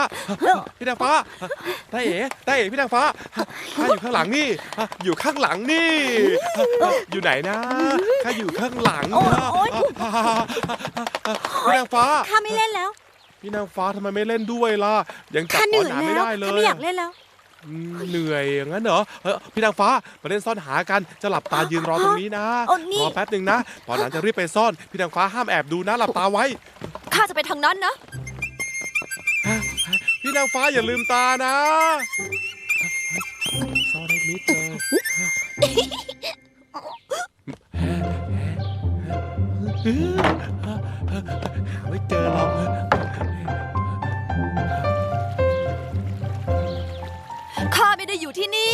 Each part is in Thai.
พี่นางฟ้าตาเอ๋พี่นางฟ้าข้าอยู่ข้างหลังนี่อยู่ข้างหลังนี่อยู่ไหนนะข้าอยู่ข้างหลังนะพี่นางฟ้าข้าไม่เล่นแล้วพี่นางฟ้าทำไมไม่เล่นด้วยล่ะยังจับข้าเหนื่อยหนามไม่แล้วได้เลยข้าไม่อยากเล่นแล้วเหนื่อยอย่างนั้นเหรอพี่นางฟ้ามาเล่นซ่อนหากันจะหลับตายืนรอตรงนี้นะรอแป๊บหนึ่งนะตอนนั้นจะรีบไปซ่อนพี่นางฟ้าห้ามแอบดูนะหลับตาไว้ข้าจะไปทางนั้นนะพี่นางฟ้าอย่าลืมตานะซ่อนได้มิดเลยหาไม่เจอหรอกข้าไม่ได้อยู่ที่นี่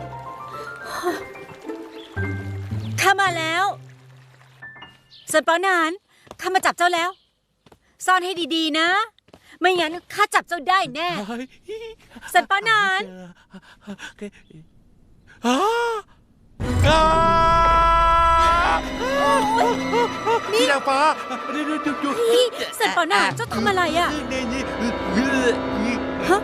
ข้ามาแล้วส่วนปอนานข้ามาจับเจ้าแล้วซ่อนให้ดีๆนะไม่งั้นข้าจับเจ้าได้แน่สันปานานพี่นางฟ้านี่สันปานานเจ้าทำอะไรอ่ะฮะ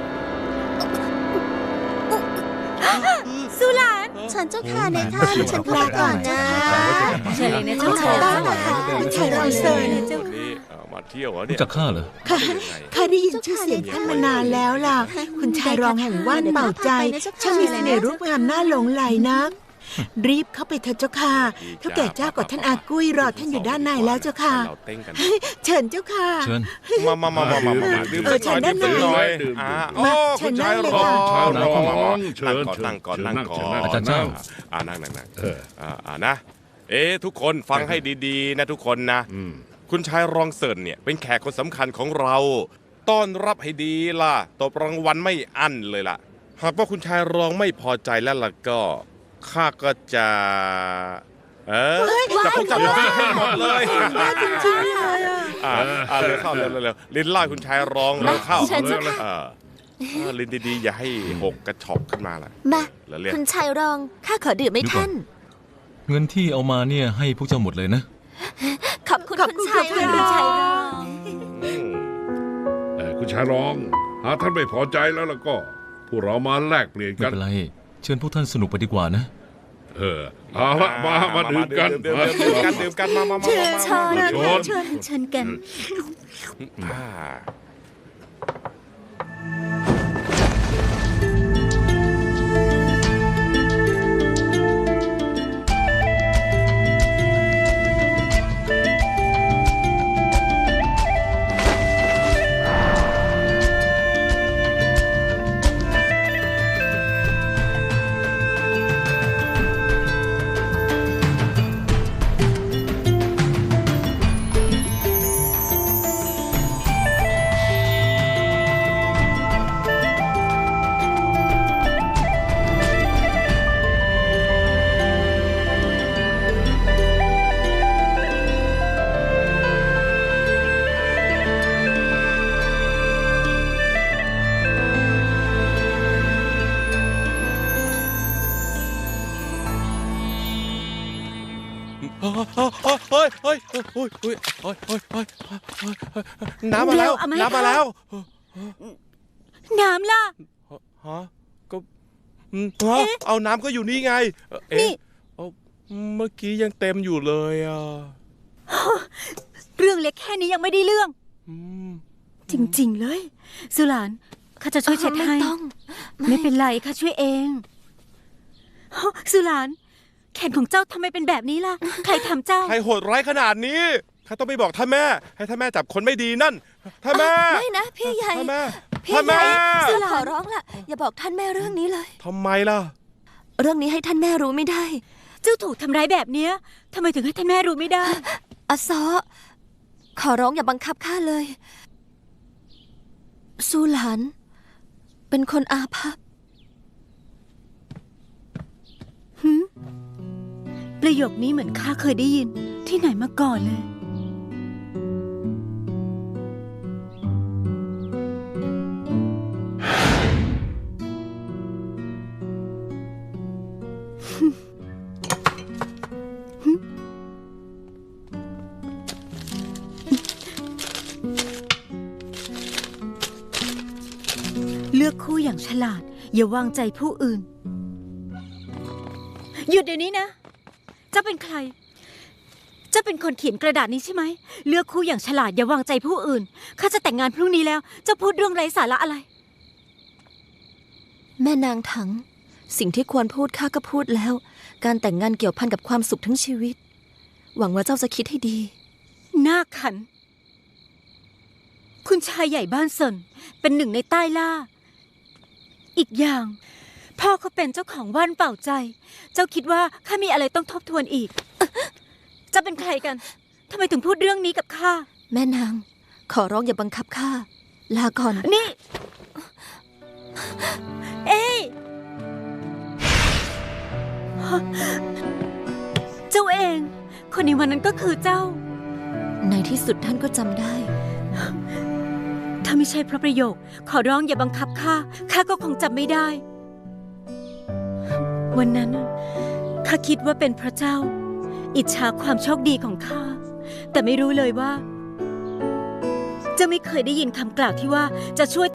สุหลานฉันเจ้าค่ะในท่านฉันลาก่อนนะเชิญเลยนะเจ้าค่ะคุณชายรองเซินมาเที่ยวเนี่ยจากข้าเหรอข้าได้ยินชื่อเสียงท่านมานานแล้วล่ะคุณชายรองแห่งว่านเป่าใจช่างมีเสน่ห์รูปงามน่าหลงไหลนักรีบเข้าไปเถิดเจ้าค่ะเท่าแก่เจ้ากับท่านอากุ้ยรอท่านอยู่ด้านในแล้วเจ้าค่ะเชิญเจ้าค่ะเชิญมาดื่มเชิญด้านในมาเชิญนั่งเลยค่ะนั่งก่อนอาจารย์เจ้านั่งนะทุกคนฟังให้ดีๆนะทุกคนนะคุณชายรองเซินเนี่ยเป็นแขกคนสำคัญของเราต้อนรับให้ดีล่ะตบรางวัลไม่อั้นเลยล่ะหากว่าคุณชายรองไม่พอใจแล้วล่ะก็ข้าก็จะจะพกจับให้หมดเลยจริงๆเลยเร็วเข้าเร็วลิ้นล่าคุณชายรองเร็วเข้าลิ้นดีๆอย่าให้หกกระชอกขึ้นมาล่ะมาคุณชายรองข้าขอดื่มให้ท่านเงินที่เอามาเนี่ยให้พวกเจ้าหมดเลยนะขอบคุณคุณชายรองคุณชายรองหากท่านไม่พอใจแล้วก็พวกเรามาแลกเปลี่ยนกันไม่เป็นไรเชิญพวกท่านสนุกไปดีกว่านะเอาละมาดื่มกันมาเชิญกันน้ำมาแล้วน้ำล่ะก็เอาน้ำก็อยู่นี่ไงเมื่อกี้ยังเต็มอยู่เลยเรื่องเล็กแค่นี้ยังไม่ได้เรื่องจริงๆเลยสุหลานข้าจะช่วยเช็ดให้ไม่เป็นไรข้าช่วยเองสุหลานแขนของเจ้าทำไมเป็นแบบนี้ล่ะใครทำเจ้าใครโหดร้ายขนาดนี้ข้าต้องไปบอกท่านแม่ให้ท่านแม่จับคนไม่ดีนั่นท่านแม่ไม่นะพี่ใหญ่ท่านแม่สุหลานขอร้องล่ะอย่าบอกท่านแม่เรื่องนี้เลยทำไมล่ะเรื่องนี้ให้ท่านแม่รู้ไม่ได้เจ้าถูกทำร้ายแบบเนี้ยทำไมถึงให้ท่านแม่รู้ไม่ได้อาซอขอร้องอย่าบังคับข้าเลยสุหลานเป็นคนอาภัพประโยคนี้เหมือนข้าเคยได้ยินที่ไหนมาก่อนเลยเลือกคู่อย่างฉลาด อย่าวางใจผู้อื่น หยุดเดี๋ยวนี้นะเจ้าเป็นใครเจ้าเป็นคนเขียนกระดาษนี้ใช่ไหมเลือกคู่อย่างฉลาดอย่าวางใจผู้อื่นข้าจะแต่งงานพรุ่งนี้แล้วเจ้าพูดเรื่องไร้สาระอะไรแม่นางถัง สิ่งที่ควรพูดข้าก็พูดแล้ว การแต่งงานเกี่ยวพันกับความสุขทั้งชีวิต หวังว่าเจ้าจะคิดให้ดีหน้าขัน คุณชายใหญ่บ้านเซินเป็นหนึ่งในใต้ล่า อีกอย่าง พ่อเขาเป็นเจ้าของว่านเป่าใจ เจ้าคิดว่าข้ามีอะไรต้องทบทวนอีกเจ้าเป็นใครกันทำไมถึงพูดเรื่องนี้กับข้าแม่นาง ขอร้องอย่าบังคับข้า ลาก่อนนี่ เอ้ยเจ้าเอง คนในวันนั้นก็คือเจ้าในที่สุดท่านก็จำได้ถ้าไม่ใช่เพราะประโยค ขอร้องอย่าบังคับข้า ข้าก็คงจำไม่ได้ วันนั้นน่ะข้าคิดว่าเป็นพระเจ้า อิจฉาความโชคดีของข้า แต่ไม่รู้เลยว่า จะไม่เคยได้ยินคำกล่าวที่ว่าจะช่วย